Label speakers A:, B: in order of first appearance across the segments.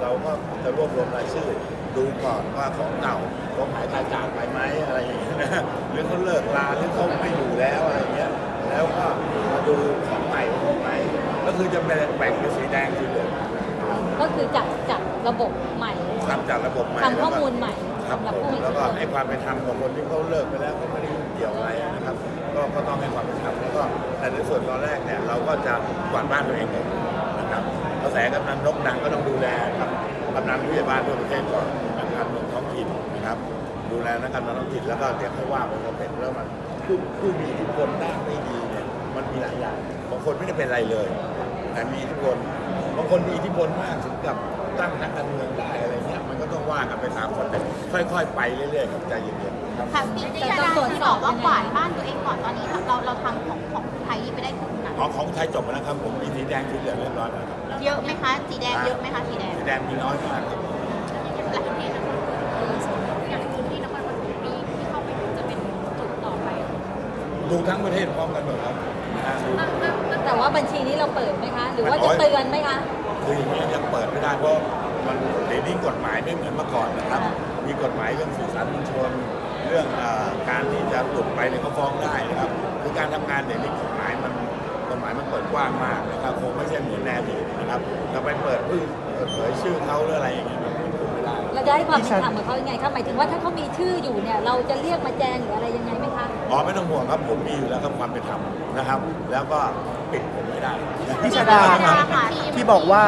A: เราก็จะรวบรวมรายชื่อดูก่อนว่าของเก่าเขาหายตายจากไปไหมอะไรอย่างเงี้ยนะหรือเขาเลิกลาหรือเขาไม่อยู่แล้วอะไรเงี้ยแล้วก็มาดูของใหม่มีไหมก็คือจะแบ่งเป็นสีแดงสีเหลือง
B: ก็คือจัดระบบใหม่
A: ทำจากระบบใหม่
B: ทำข้อมูลใหม่
A: ครับ
B: สำหรับ
A: ผม
B: ผู้มี
A: แล้ว
B: อิทธิ
A: ก็
B: พล
A: ให้ความเป็นธรรมกับคนที่เขาเลิกไปแล้วเขาไม่ได้ยุ่งเกี่ยวอะไรนะครับก็ต้องให้ความเป็นธรรมแล้วก็แต่ในส่วนตอนแรกเนี่ยเราก็จะกวาดบ้านตัวเองเลยนะครับกระแสกำนันนกดังก็ต้องดูแลครับกำนันผู้ใหญ่บ้านทั่วประเทศก่อนนักการเมืองท้องถิ่นนะครับดูแลนักการเมืองท้องถิ่นแล้วก็เดี๋ยวให้ว่าไปเราเป็นแล้วมันผู้มีอิทธิพลด้านไม่ดีเนี่ยมันมีหลายอย่างบางคนไม่ได้เป็นอะไรเลยแต่มีอิทธิพลบางคนมีอิทธิพลมากถึงกับตั้งนักการเมืองได้อะไรเงี้ยมันก็ต้องว่ากันไปตามคนแต่ค่อยๆไปเรื่อยๆครับใจเย็นๆครับ
C: ค่ะพี่ที่อาจารย์ที่บอกว่ากวาดบ้านตัวเองก่อนตอนนี้เราทำของไทยไปได้ถึงไหน
A: ของไทยจบแล้วนะครับผมมีสีแดงสีเหลืองเรียบร้อยแล้วครับ
C: เยอะไหมคะสีแดงเยอะไหมคะสีแดง
A: สีแดงมีน้อยมากครับ
C: หลายประเทศนะคะ
B: อย่างพื้นที่นครปฐมที่เข้าไปถึงจะเป็นจุดต่อไป
A: ดูทั้งประเทศพร้อมกันหมดครับดู
B: แต่ว่าบัญชีนี้เราเปิดไหมคะ หรือว่าจะเตือนไหมคะ
A: คืออย่างนี้ยังเปิดไม่ได้เพราะมันเดี๋ยวนี้กฎหมายไม่เหมือนเมื่อก่อนนะครับมีกฎหมายเรื่องสื่อสารมวลชนเรื่องการที่จะหลุดไปเนี่ยเขาฟ้องได้นะครับคือการทำงานเดี๋ยวนี้กฎหมายมันเปิดกว้างมากนะครับคงไม่ใช่เหมือนแนวดีนะครับจะไปเปิดเผยชื่อเขาหรืออะไรอย่างเงี้ยมันคงไม่ได้
B: เราจะให้ความเป็นธรรมกับเขายังไงคะหมายถึงว่าถ้าเขามีชื่ออยู่เนี่ยเราจะเรียกมาแจ้งหรืออะไรยังไงไหมคะ
A: อ๋อไม่ต้องห่วงครับผมมีอยู่แล้วครับความเป็นธรรมนะครับ แล้วก็ปิดผมไม่ได้
D: พี่ชาดาครับที่บอกว่า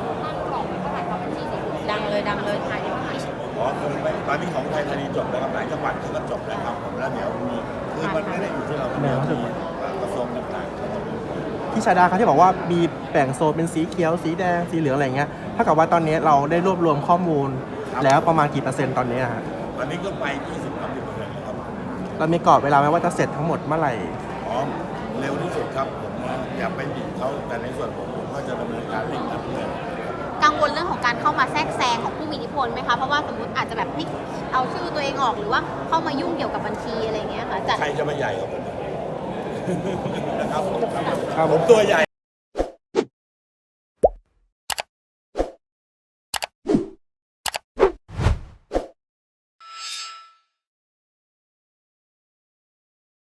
C: ดังเลยค่ะ
A: อ๋อคือไม่ตอนนี้ของไทยธานีจบแล้วครับหลายจังหวัดก็จบแล้วครับผมแล้วเดี๋ยวมีคือมันไม่ได้อยู่ที่เราเดี๋ยวมีกระทรวงต่างๆ
D: พี่ชาดาครับที่บอกว่ามีแบ่งโซนเป็นสีเขียวสีแดงสีเหลืองอะไรเงี้ยเท่ากับว่าตอนนี้เราได้รวบรวมข้อมูล
A: ครับ
D: แล้วประมาณกี่เปอร์เซ็นต์ตอนนี้ฮะ
A: ตอนนี้ก็ไป 20-30%แล้วครับ
D: เรามีกรอบเวลาไหมว่าจะเสร็จทั้งหมดเมื่อไหร่
A: อ๋อเร็วที่สุดครับผมนะอย่าไปบีบเขาแต่ในส่วนผมก็จะดำเนินการเร่งรัดเลย
C: กังวลเรื่องของการเข้ามาแทรกแซงของผู้มีอิทธิพลไหมคะเพราะว่าสมมติอาจจะแบบพลิกเอาชื่อตัวเองออกหรือว่าเข้ามายุ่งเกี่ยวกับบัญชีอะไรอย่างเงี้ยค่ะจัด
A: ใครจะมาใหญ่กว่าผมนะครับ
D: ครับ
A: ผมตัวใหญ่